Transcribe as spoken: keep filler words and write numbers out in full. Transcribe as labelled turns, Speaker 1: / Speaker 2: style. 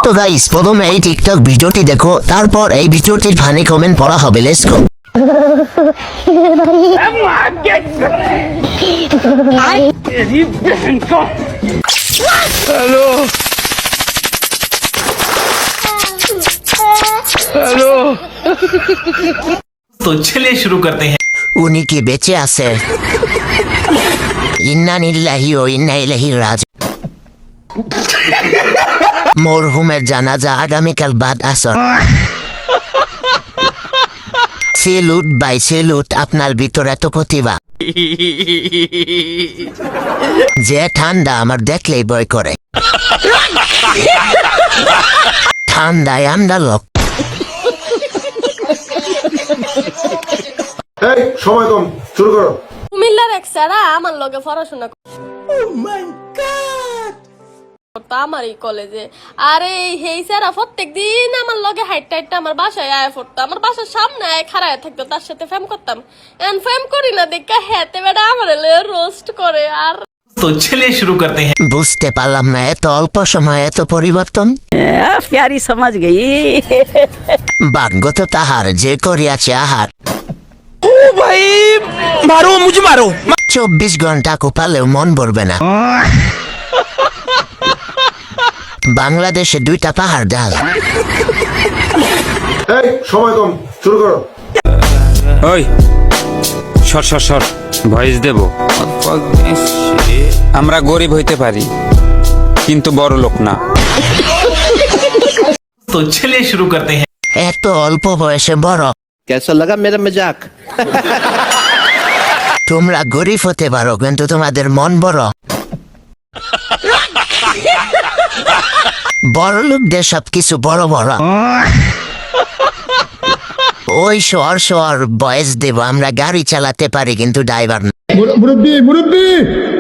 Speaker 1: তো গাইস প্রথমে এই টিকটক ভিডিওটি দেখো, তারপর এই ভিডিওটির ফানি কমেন্ট পড়া হবে। Let's go.
Speaker 2: हेलो हेलो
Speaker 3: तो चलिए शुरू करते हैं।
Speaker 1: উনি কি বেঁচে আছে? ইন্না লিল্লাহি ও ইন্না ইলাইহি রাজিউন। মরহুমের জানাজা আগামীকাল বাদ আসর। সেলুট বাই সেলুট, আপনার ভিতরে এত প্রতিভা যে ঠান্ডা আমার দেখলেই ভয় করে। ঠান্ডায় আমরা লোক।
Speaker 4: এই সময় কম, শুরু করো।
Speaker 5: কুমিল্লার এক স্যারা আমার লগে পড়াশোনা করতো আমার এই কলেজে। আরে এই স্যারা প্রত্যেক দিন আমার লগে হাইটটা হাইটটা আমার বাসায় আয় পড়তো, আমার বাসার সামনে আয় খাড়ায় থাকতো, তার সাথে ফেম করতাম। এন্ড ফেম করি না দেখে হেতে বেড়া আমার রোস্ট করে। আর
Speaker 3: तो चलिए शुरू करते हैं।
Speaker 1: বুঝতে পারলাম না, এত অল্প সময়ে এত পরিবর্তন।
Speaker 6: प्यारी समझ गई।
Speaker 1: ভাগ্যত তাহার যে করিয়াছে আহার।
Speaker 2: ओ भाई मारो मुझे मारो।
Speaker 1: চব্বিশ ঘন্টা কোপালেও মন ভরবে না। বাংলাদেশে দুইটা পাহাড় ডাল।
Speaker 4: এই সময় কম, শুরু করো।
Speaker 7: ওই সর সর সর ভয়েস দেব। আমরা গরিব হইতে পারি কিন্তু বড় লোক না।
Speaker 3: तो चलिए शुरू करते हैं।
Speaker 1: এত অল্প বয়সে বড়।
Speaker 8: कैसा लगा मेरा मजाक?
Speaker 1: তোমরা গরিব হতে পারো কিন্তু তোমাদের মন বড়। বড় লোকদের সব কিছু বড় বড়। ওই শহর শহর বয়স দেব, আমরা গাড়ি চালাতে পারি কিন্তু ড্রাইভার না।
Speaker 4: মুরব্বী মুরব্বী